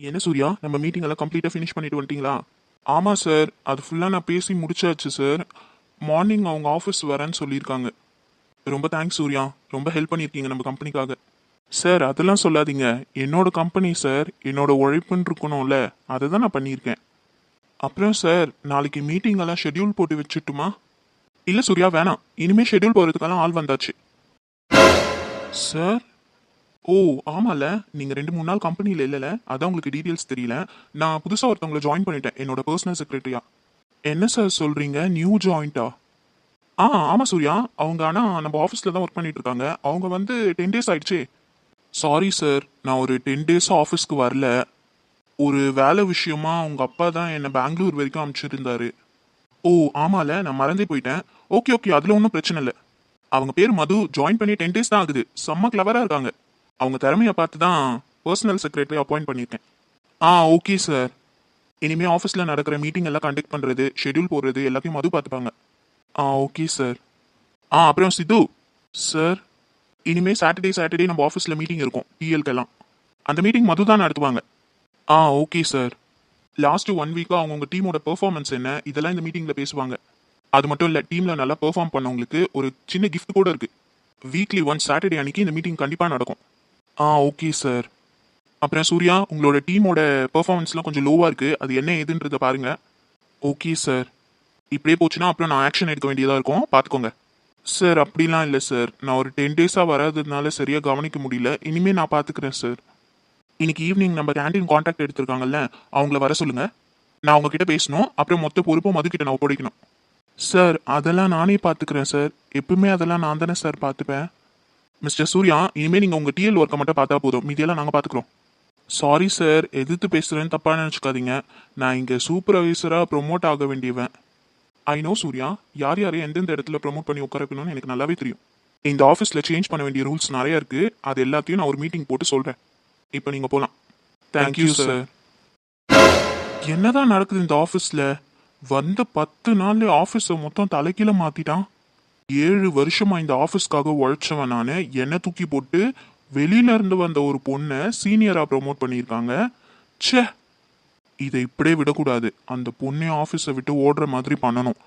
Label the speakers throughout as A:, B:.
A: என்ன சூர்யா, நம்ம மீட்டிங் எல்லாம் கம்ப்ளீட்டாக ஃபினிஷ் பண்ணிட்டு வந்துட்டீங்களா? ஆமாம் சார், அது ஃபுல்லாக நான் பேசி முடிச்சாச்சு சார். மார்னிங் அவங்க ஆஃபீஸ் வரேன்னு சொல்லியிருக்காங்க. ரொம்ப தேங்க்ஸ் சூர்யா, ரொம்ப ஹெல்ப் பண்ணியிருக்கீங்க நம்ம கம்பெனிக்காக. சார் அதெல்லாம் சொல்லாதீங்க, என்னோட கம்பெனி சார், என்னோட உழைப்புன்னு இருக்கணும்ல, அதை தான் நான் பண்ணியிருக்கேன். அப்புறம் சார், நாளைக்கு மீட்டிங் எல்லாம் ஷெட்யூல் போட்டு வச்சுட்டுமா? இல்லை சூர்யா வேணாம், இனிமேல் ஷெட்யூல் போகிறதுக்கெல்லாம் ஆள் வந்தாச்சு. சார், ஓ ஆமால, நீங்க 2-3 நாள் கம்பெனியில் இல்லைல்ல, அதான் உங்களுக்கு டீட்டெயில்ஸ் தெரியல. நான் புதுசாக ஒருத்தவங்களை ஜாயின் பண்ணிட்டேன் என்னோட பர்சனல் செக்ரட்டரியா. என்ன சார் சொல்றீங்க, நியூ ஜாயிண்டா? ஆமாம் சூர்யா, அவங்க ஆனால் நம்ம ஆஃபீஸில் தான் ஒர்க் பண்ணிட்டு இருக்காங்க. அவங்க வந்து 10 days ஆயிடுச்சு. சாரி சார், நான் ஒரு 10 days ஆஃபீஸ்க்கு வரல. ஒரு வேலை விஷயமா உங்க அப்பா தான் என்னை பெங்களூர் வரைக்கும் அனுப்பிச்சிருந்தாரு. ஓ ஆமால, நான் மறந்தே போயிட்டேன். ஓகே ஓகே, அதில் ஒன்றும் பிரச்சனை இல்லை. அவங்க பேர் மது, ஜாயின் பண்ணி 10 days தான் ஆகுது. செம்ம கிளவராக இருக்காங்க. அவங்க திறமையை பார்த்து தான் பர்சனல் செக்ரட்டரி அப்பாயிண்ட் பண்ணியிருக்கேன். Okay sir. இனிமேல் ஆஃபீஸில் நடக்கிற மீட்டிங் எல்லாம் கண்டக்ட் பண்ணுறது, ஷெட்யூல் போடுறது எல்லாத்தையும் மது பார்த்துப்பாங்க. Okay sir. அப்புறம் சித்து சார், இனிமேல் சாட்டர்டே நம்ம ஆஃபீஸில் மீட்டிங் இருக்கும் டிஎல்கெல்லாம். அந்த மீட்டிங் மது தான் நடத்துவாங்க. Okay sir. லாஸ்ட் 1 வீக்காக அவங்கவுங்க டீமோட பெர்ஃபார்மன்ஸ் என்ன, இதெல்லாம் இந்த மீட்டிங்கில் பேசுவாங்க. அது மட்டும் இல்லை, டீமில் நல்லா பெர்ஃபார்ம் பண்ணவங்களுக்கு ஒரு சின்ன gift கூட இருக்குது. வீக்லி ஒன்ஸ் சாட்டர்டே அன்னைக்கு இந்த மீட்டிங் கண்டிப்பாக நடக்கும். Okay sir. அப்புறம் சூர்யா, உங்களோட டீமோட பெர்ஃபார்மன்ஸ்லாம் கொஞ்சம் லோவாக இருக்குது, அது என்ன ஏதுன்றதை பாருங்க. Okay sir. இப்படியே போச்சுன்னா அப்புறம் நான் ஆக்ஷன் எடுக்க வேண்டியதாக இருக்கும், பார்த்துக்கோங்க. சார் அப்படிலாம் இல்லை சார், நான் ஒரு 10 days வராததுனால சரியாக கவனிக்க முடியல. இனிமேல் நான் பார்த்துக்கிறேன் சார். இன்னைக்கு ஈவினிங் நம்ம கேண்டீன் கான்டாக்ட் எடுத்திருக்காங்கல்ல, அவங்கள வர சொல்லுங்க. நான் அவங்க கிட்ட பேசணும். அப்புறம் மொத்த பொறுப்பும் மதுக்கிட்ட நான் ஒப்படைக்கணும். சார் அதெல்லாம் நானே பார்த்துக்கிறேன் சார், எப்பவுமே அதெல்லாம் நான் தானே சார் பார்த்துப்பேன். மிஸ்டர் சூர்யா, இனிமேல் நீங்கள் உங்கள் டிஎல் ஒர்க்கை மட்டும் பார்த்தா போதும், மீதியெல்லாம் நாங்கள் பார்த்துக்குறோம். சாரி சார், எதிர்த்து பேசுகிறேன்னு தப்பாக நினச்சிக்காதீங்க. நான் இங்கே சூப்பர்வைசராக ப்ரொமோட் ஆக வேண்டியவன். ஐ நோ சூர்யா, யார் யாரையும் எந்தெந்த இடத்துல ப்ரொமோட் பண்ணி உட்கார வைக்கணும்னு எனக்கு நல்லாவே தெரியும். இந்த ஆஃபீஸில் சேஞ்ச் பண்ண வேண்டிய ரூல்ஸ் நிறைய இருக்குது, அது எல்லாத்தையும் நான் ஒரு மீட்டிங் போட்டு சொல்கிறேன். இப்போ நீங்கள் போகலாம். Thank you sir. என்னதான் நடக்குது இந்த ஆஃபீஸில்? வந்த 10 நாள்ல ஆஃபீஸை மொத்தம் தலைக்கீழ மாற்றிட்டான். 7 வருஷமா இந்த ஆஃபீஸ்க்காக உழைச்சவன் நான், என்னை தூக்கி போட்டு வெளியில இருந்து வந்த ஒரு பொண்ணை சீனியரா ப்ரொமோட் பண்ணியிருக்காங்க. ச்சே, இதை இப்படியே விடக்கூடாது. அந்த பொண்ணே ஆஃபீஸை விட்டு ஓடுற மாதிரி பண்ணணும்.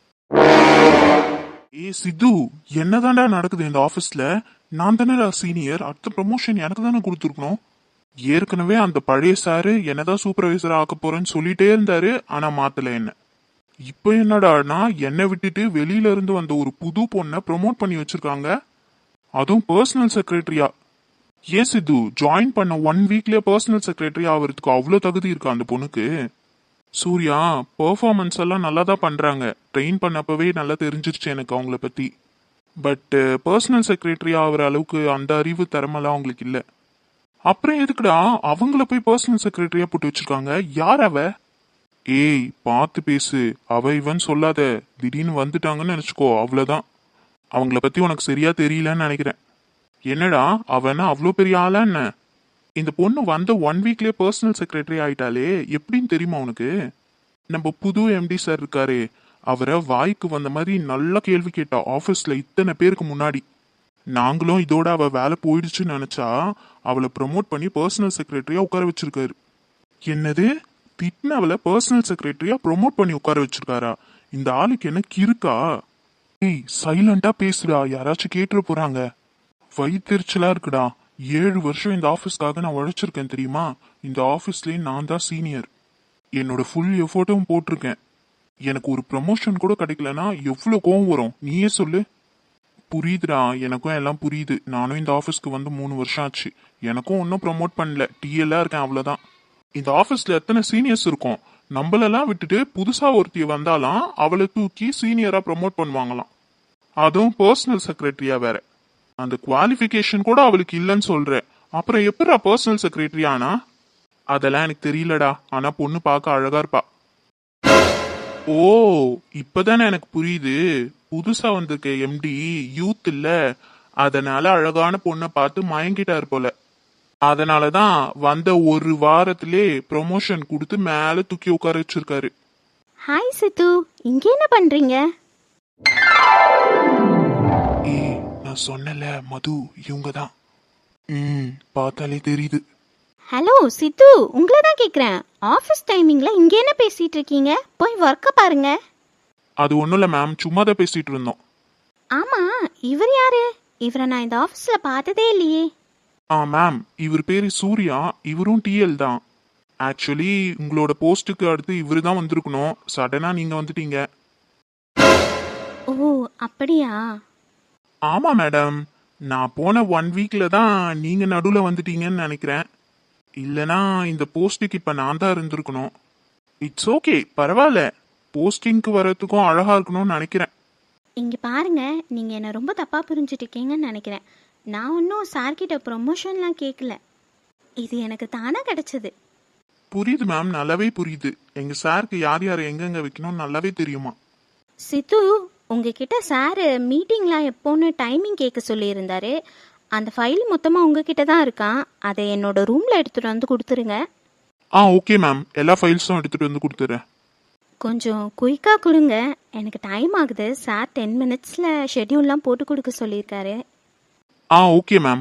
A: சித்து, என்னதான்டா நடக்குது இந்த ஆஃபீஸ்ல? நான் தானே சீனியர், அடுத்த ப்ரமோஷன் எனக்கு தானே கொடுத்துருக்கணும். ஏற்கனவே அந்த பழைய சாரு என்னதான் சூப்பர்வைசரா ஆக்க போறேன்னு சொல்லிட்டே இருந்தாரு, ஆனா மாத்தல என்ன. இப்போ என்னடானா என்னை விட்டுட்டு வெளியில இருந்து வந்த ஒரு புது பொண்ணை ப்ரொமோட் பண்ணி வச்சிருக்காங்க, அதுவும் பர்சனல் செக்ரட்டரியா. ஏன் சித்து, ஜாயின் பண்ண 1 வீக்லயே பர்சனல் செக்ரட்டரி ஆகிறதுக்கு அவ்வளோ தகுதி இருக்கா அந்த பொண்ணுக்கு? சூர்யா, பெர்ஃபார்மன்ஸ் எல்லாம் நல்லா தான் பண்றாங்க, ட்ரெயின் பண்ணப்பவே நல்லா தெரிஞ்சிருச்சு எனக்கு அவங்கள பத்தி. பட் பர்சனல் செக்ரட்டரி ஆகிற அளவுக்கு அந்த அறிவு திறமெல்லாம் அவங்களுக்கு இல்லை. அப்புறம் எதுக்குடா அவங்கள போய் பர்சனல் செக்ரட்டரியா போட்டு வச்சிருக்காங்க? யார் அவ? ஏய் பார்த்து பேசு, அவ இவன் சொல்லாத. திடீர்னு வந்துட்டாங்கன்னு நினைச்சுக்கோ, அவ்வளவுதான். அவங்கள பத்தி உனக்கு சரியா தெரியலன்னு நினைக்கிறேன். என்னடா அவனா அவ்வளோ பெரிய ஆளா என்ன? இந்த பொண்ணு வந்த 1 வீக்லயே பர்சனல் செக்ரட்டரி ஆயிட்டாலே, எப்படின்னு தெரியுமா உனக்கு? நம்ம புது எம்டி சார் இருக்காரே, அவரை வாய்க்கு வந்த மாதிரி நல்ல கேள்வி கேட்டா ஆஃபீஸ்ல இத்தனை பேருக்கு முன்னாடி. நாங்களும் இதோட அவ வேலை போயிடுச்சுன்னு நினைச்சா அவளை ப்ரமோட் பண்ணி பர்சனல் செக்ரட்டரியா உட்கார வச்சிருக்காரு. என்னது, திட்னவளை பர்சனல் செக்ரட்டரியா ப்ரொமோட் பண்ணி உட்கார வச்சிருக்காரா? இந்த ஆளுக்கு என்ன கிறுக்கா? ஏய் சைலண்டா பேசுடா, யாராச்சும் கேட்டுற போறாங்க. வயிற்றுச்சலா இருக்குடா. 7 வருஷம் இந்த ஆஃபீஸ்க்காக நான் உழைச்சிருக்கேன் தெரியுமா? இந்த ஆஃபீஸ்லயே நான் தான் சீனியர். என்னோட ஃபுல் எஃபோர்ட்டும் போட்டிருக்கேன். எனக்கு ஒரு ப்ரமோஷன் கூட கிடைக்கலனா எவ்வளோ கோவம் வரும், நீயே சொல்லு. புரியுதுடா, எனக்கும் எல்லாம் புரியுது. நானும் இந்த ஆஃபீஸ்க்கு வந்து 3 வருஷம் ஆச்சு. எனக்கும் ஒன்றும் ப்ரமோட் பண்ணல, டிஎல்லா இருக்கேன், அவ்வளோதான். இந்த ஆஃபீஸ்ல எத்தனை சீனியர்ஸ் இருக்கும், நம்மளெல்லாம் விட்டுட்டு புதுசா ஒருத்திய வந்தாலாம் அவளை தூக்கி சீனியரா ப்ரமோட் பண்ணுவாங்களாம், அதுவும் பர்சனல் செக்ரட்டரியா வேற. அந்த குவாலிஃபிகேஷன் கூட அவளுக்கு இல்லைன்னு சொல்ற, அப்புறம் எப்படா பர்சனல் செக்ரட்டரி ஆனா? அதெல்லாம் எனக்கு தெரியலடா, ஆனா பொண்ணு பார்க்க அழகா இருப்பா. ஓ, இப்பதானே எனக்கு புரியுது. புதுசா வந்திருக்க எம்டி யூத் இல்ல, அதனால அழகான பொண்ணை பார்த்து மயங்கிட்டாரு போல. அதனாலதான் வந்த 1 வாரத்திலே ப்ரொமோஷன் கொடுத்து மேல தூக்கி உட்கார வச்சிருக்காரு.
B: ஹாய் சித்து, இங்க என்ன பண்றீங்க?
A: நான் சொன்னல மது, இவங்க தான். பார்த்தாலே தெரியுது.
B: ஹலோ சித்து, உங்களை தான் கேட்குறேன். ஆஃபீஸ் டைமிங்கில் இங்கே என்ன பேசிகிட்டு இருக்கீங்க? போய் ஒர்க்கை பாருங்க.
A: அது ஒன்றும் இல்லை மேம், சும்மா தான் பேசிகிட்டு இருந்தோம்.
B: ஆமாம், இவர் யாரு? இவரை நான் இந்த ஆஃபீஸில் பார்த்ததே இல்லையே.
A: மேம், இவர் பேர் சூர்யா, இவரும் டிஎல் தான். ஆக்சுவலி உங்களோட போஸ்ட்டுக்கு அடுத்து இவரு தான் வந்திருக்கணும். சடனாக நீங்கள் வந்துட்டீங்க.
B: ஓ, அப்படியா?
A: ஆமாம் மேடம், நான் போன 1 வீக்கில் தான் நீங்கள் நடுவில் வந்துட்டீங்கன்னு நினைக்கிறேன். இல்லைனா இந்த போஸ்ட்டுக்கு இப்போ நான் தான் இருந்திருக்கணும். இட்ஸ் ஓகே, பரவாயில்ல. போஸ்டிங்க்கு வர்றதுக்கும் அழகாக இருக்கணும்னு நினைக்கிறேன்.
B: இங்கே பாருங்க, நீங்கள் என்னை ரொம்ப தப்பாக புரிஞ்சுட்டு இருக்கீங்கன்னு நினைக்கிறேன். நான் ஒன்றும் சார்கிட்ட ப்ரொமோஷன்லாம் கேட்கல. இது எனக்கு தானாக கிடச்சிது.
A: புரியுது மேம், நல்லாவே புரியுது. எங்கள் சாருக்கு யார் யார் எங்கெங்கே வைக்கணும்னு நல்லாவே தெரியுமா.
B: சித்து, உங்ககிட்ட சார் மீட்டிங்லாம் எப்போன்னு டைமிங் கேட்க சொல்லியிருந்தாரு. அந்த ஃபைல் மொத்தமாக உங்ககிட்ட தான் இருக்கான். அதை என்னோட ரூமில் எடுத்துகிட்டு வந்து கொடுத்துருங்க.
A: ஓகே மேம், எல்லா ஃபைல்ஸும் எடுத்துகிட்டு வந்து கொடுத்துட்றேன்.
B: கொஞ்சம் குயிக்காக கொடுங்க, எனக்கு டைம் ஆகுது. சார் 10 மினிட்ஸில் ஷெட்யூல்லாம் போட்டு கொடுக்க சொல்லியிருக்காரு.
A: Okay ma'am.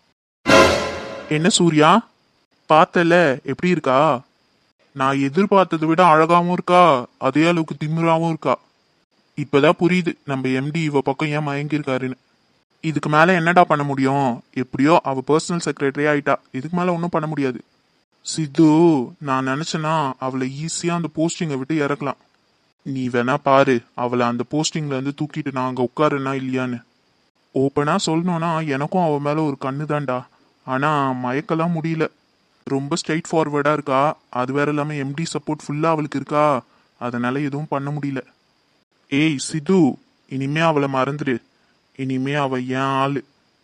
A: என்ன சூர்யா, பார்த்தல எப்படி இருக்கா? நான் எதிர்பார்த்ததை விட அழகாவும் இருக்கா, அதே அளவுக்கு திமிராவும் இருக்கா. இப்பதான் புரியுது நம்ம எம்டி இவ பக்கம் ஏன் மயங்கியிருக்காருன்னு. இதுக்கு மேல என்னடா பண்ண முடியும்? எப்படியோ அவ பர்சனல் செக்ரட்டரி ஆயிட்டா, இதுக்கு மேல ஒன்றும் பண்ண முடியாது. சித்து, நான் நினைச்சேன்னா அவளை ஈஸியா அந்த போஸ்டிங்கை விட்டு இறக்கலாம். நீ வேணா பாரு, அவளை அந்த போஸ்டிங்ல இருந்து தூக்கிட்டு நான் அங்க உட்காருனா இல்லையான்னு. ஓப்பனா சொல்லணும்னா எனக்கும் அவ மேல ஒரு கண்ணு தான்டா. ஆனா மயக்கலாம் முடியல. ரொம்ப ஸ்ட்ரைட் ஃபார்வர்டா இருக்கா. அது வேற இல்லாம எம்டி சப்போர்ட் ஃபுல்லா அவளுக்கு இருக்கா. அதனால எதுவும் பண்ண முடியல. ஏய் சித்து, இனிமே அவளை மறந்துடு. இனிமே அவ ஏன் ஆளு.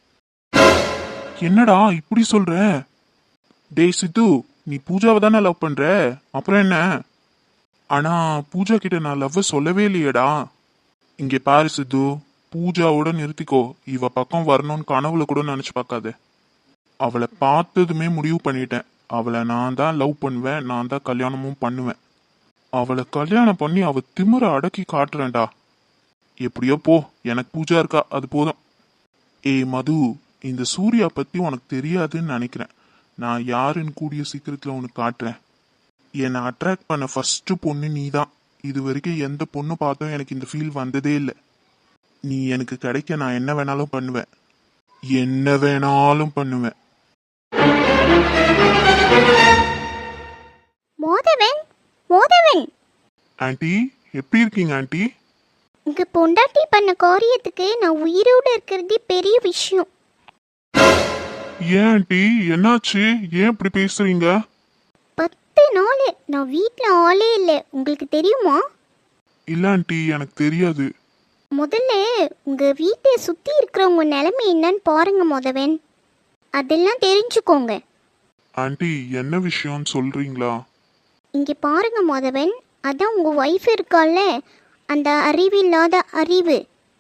A: என்னடா இப்படி சொல்ற? டேய் சித்து, நீ பூஜாவை தானே லவ் பண்ற, அப்புறம் என்ன? ஆனா பூஜா கிட்ட நான் லவ் சொல்லவே இல்லையேடா. இங்க பாரு சித்து, பூஜாவோட நிறுத்திக்கோ. இவ பக்கம் வரணும்னு கனவுல கூட நினைச்சு பார்க்காத. அவளை பார்த்ததுமே முடிவு பண்ணிட்டேன். அவளை நான் தான் லவ் பண்ணுவேன், நான் தான் கல்யாணமும் பண்ணுவேன். அவளை கல்யாணம் பண்ணி அவ திமிர அடக்கி காட்டுறேன்டா. எப்படியோ போ, எனக்கு பூஜா இருக்கா, அது போதும். ஏய் மது, இந்த சூர்யா பத்தி உனக்கு தெரியாதுன்னு நினைக்கிறேன். நான் யாருன்னு கூடிய சீக்கிரத்துல உனக்கு காட்டுறேன். என்னை அட்ராக்ட் பண்ண ஃபர்ஸ்ட் பொண்ணு நீ தான். இது வரைக்கும் எந்த பொண்ணு பார்த்தும் எனக்கு இந்த ஃபீல் வந்ததே இல்லை. நீ எனக்கு கிடைக்க நான் என்ன வேணாலும் பண்ணுவேன், என்ன வேணாலும் பண்ணுவேன்.
C: மோதவன், மோதவன்,
A: ஆண்டி, எப்படி இருக்கீங்க ஆண்டி?
C: உங்க பொண்டாட்டி பண்ண காரியத்துக்கு நான் உயிரோடு இருக்கிறதே பெரிய விஷயம்.
A: ஏன் ஆண்டி, என்னாச்சு? ஏன் இப்படி பேசுறீங்க?
C: 10 நாள் நான் வீட்டில் ஆளே இல்லை, உங்களுக்கு தெரியுமா?
A: இல்ல ஆண்டி, எனக்கு தெரியாது.
C: முதல்ல உங்க வீட்டை சுற்றி இருக்கிறவங்க நிலைமை என்னன்னு பாருங்க மோதவன். அதெல்லாம் தெரிஞ்சுக்கோங்க.
A: ஆண்டி, என்ன விஷயம்னு சொல்றீங்களா?
C: இங்கே பாருங்க மோதவன், அதான் உங்க ஒய்ஃப் இருக்கால, அந்த அறிவில்லாத அறிவு,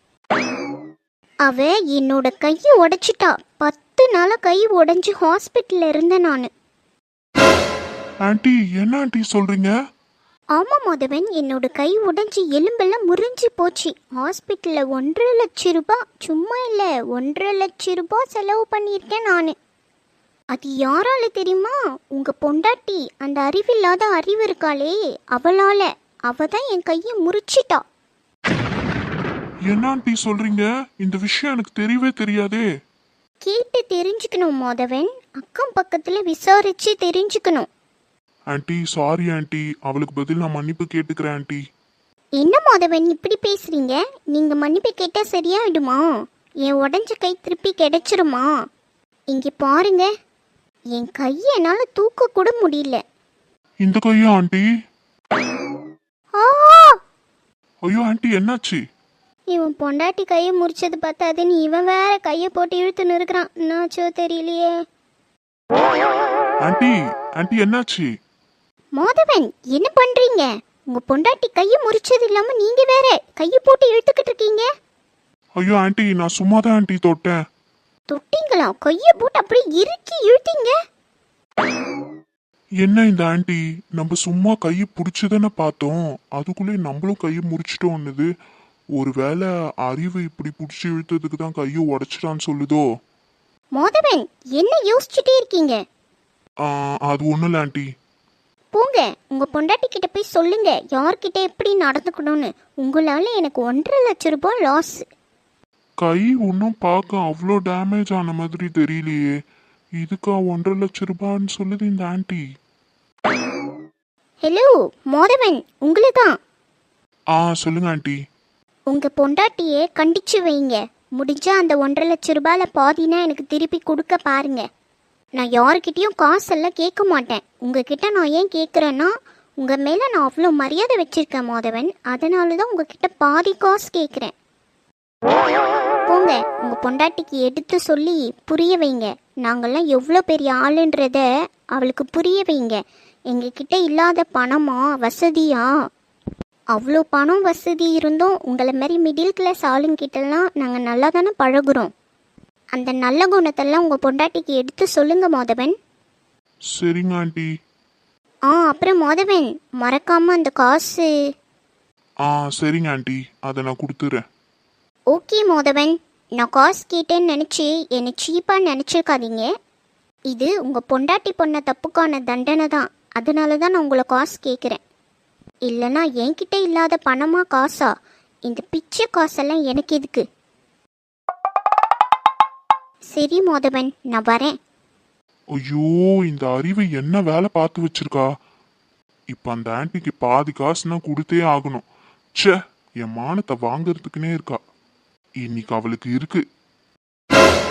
C: அவ என்னோட கையை உடைச்சிட்டா. 10 நாளாக கை உடைஞ்சு ஹாஸ்பிட்டலில் இருந்தேன் நான்.
A: ஆண்டி, என்ன ஆண்டி சொல்றீங்க?
C: ஆமாம் மோதவன், என்னோட கை உடைஞ்சி எலும்பெல்லாம் முறிஞ்சு போச்சு. ஹாஸ்பிட்டலில் 1.5 லட்சம் ரூபாய், சும்மா இல்லை 1.5 லட்சம் ரூபாய் செலவு பண்ணியிருக்கேன் நான். அது யாரால தெரியுமா? உங்கள் பொண்டாட்டி, அந்த அறிவில்லாத அறிவு இருக்காளே, அவளால். அவ தான் என் கையை முறிச்சிட்டா.
A: என்ன ஆண்டி சொல்றீங்க? இந்த விஷயம் எனக்கு தெரியவே தெரியாதே.
C: கேட்டு தெரிஞ்சுக்கணும் மோதவன், அக்கம் பக்கத்தில் விசாரிச்சு தெரிஞ்சுக்கணும்.
A: ஆண்டி சாரி ஆண்டி, அவளுக்கு பதில் நான் மன்னிப்பு கேட்டுக்கிறேன் ஆண்டி.
C: என்ன மோதவன் இப்படி பேசுறீங்க? நீங்கள் மன்னிப்பு கேட்டால் சரியாயிடுமா? என் உடஞ்ச கை திருப்பி கிடைச்சிருமா? இங்கே பாருங்க, என் கையை என்னால் தூக்க கூட முடியல.
A: இந்த கையா ஆண்டி?
C: ஆ!
A: ஐயோ ஆண்டி, என்னாச்சு?
C: இவன் பொண்டாட்டி கையை முறிச்சது பார்த்தாதுன்னு இவன் வேற கையை போட்டு இழுத்துன்னு இருக்கிறான். என்னாச்சோ தெரியலையே.
A: ஆண்டி, ஆண்டி என்னாச்சு?
C: மோதவன், என்ன பண்றீங்க? உங்க பொண்டாட்டி கையை முறிச்சது இல்லாம நீங்க வேற கையை போட்டு இழுத்துக்கிட்டு இருக்கீங்க.
A: ஐயோ ஆண்டி, நான் சும்மா தான் ஆண்டி தொட்டேன்.
C: தொட்டீங்களா? கையை போட்டு அப்படியே இறுக்கி இழுத்தீங்க.
A: என்ன இந்த ஆண்டி, நம்ம சும்மா கையை பிடிச்சதானே பார்த்தோம், அதுக்குள்ளே நம்மளும் கையை முறிச்சிட்டோன்னுது. ஒருவேளை அறிவு இப்படி பிடிச்சி இழுத்ததுக்கு தான் கையை உடைச்சிட்டான்னு சொல்லுதோ?
C: மோதவன், என்ன யோசிச்சுட்டே இருக்கீங்க?
A: அது ஒன்றும் இல்லை ஆண்டி.
C: போங்க, உங்க பொண்டாட்டி கிட்ட போய் சொல்லுங்க யார்கிட்ட எப்படி நடந்துக்கணும்னு. உங்களால எனக்கு 1,50,000 லாஸ்.
A: கை ஒன்றும் பார்க்க அவ்வளோ டேமேஜ் ஆன மாதிரி தெரியலையே. இதுக்கா 1,50,000 சொல்லுது இந்த ஆண்டி.
C: ஹலோ மோதவன், உங்களை தான்.
A: சொல்லுங்க ஆண்டி.
C: உங்க பொண்டாட்டியை கண்டிச்சு வைங்க. முடிஞ்சா அந்த 1,50,000 பாதினா எனக்கு திருப்பி கொடுக்க பாருங்க. நான் யாருக்கிட்டேயும் காசெல்லாம் கேட்க மாட்டேன். உங்ககிட்ட நான் ஏன் கேட்குறேன்னா, உங்கள் மேலே நான் அவ்வளோ மரியாதை வச்சுருக்கேன் மோதவன். அதனால தான் உங்ககிட்ட பாதி காசு கேட்குறேன். போங்க, உங்கள் பொண்டாட்டிக்கு எடுத்து சொல்லி புரிய வைங்க. நாங்கள்லாம் எவ்வளோ பெரிய ஆளுன்றத அவளுக்கு புரிய வைங்க. எங்ககிட்ட இல்லாத பணமா வசதியா? அவ்வளோ பணம் வசதி இருந்தும் உங்களை மாதிரி மிடில் கிளாஸ் ஆளுங்கிட்டலாம் நாங்கள் நல்லா தானே பழகுறோம். அந்த நல்ல குணத்தெல்லாம் உங்கள் பொண்டாட்டிக்கு எடுத்து சொல்லுங்க மோதவன்.
A: சரிங்க ஆண்டி.
C: அப்புறம் மோதவன், மறக்காம அந்த காசு.
A: சரிங்க ஆண்டி, அதை நான் கொடுத்துறேன்.
C: ஓகே மோதவன், நான் காசு கேட்டேன்னு நினச்சி என்னை சீப்பாக நினச்சிருக்காதீங்க. இது உங்கள் பொண்டாட்டி பொண்ண தப்புக்கான தண்டனை தான். அதனால தான் நான் உங்களை காசு கேட்குறேன். இல்லைனா என்கிட்ட இல்லாத பணமா காசா? இந்த பிச்சை காசெல்லாம் எனக்கு எதுக்கு? சரி மோதவன், நான் வரேன்.
A: ஐயோ, இந்த அறிவு என்ன வேலை பார்த்து வச்சிருக்கா. இப்ப அந்த ஆன்ட்டிக்கு பாதி காசுனா கொடுத்தே ஆகணும். ச்சே, என் மானத்தை வாங்கறதுக்குன்னே இருக்கா. இன்னைக்கு அவளுக்கு இருக்கு.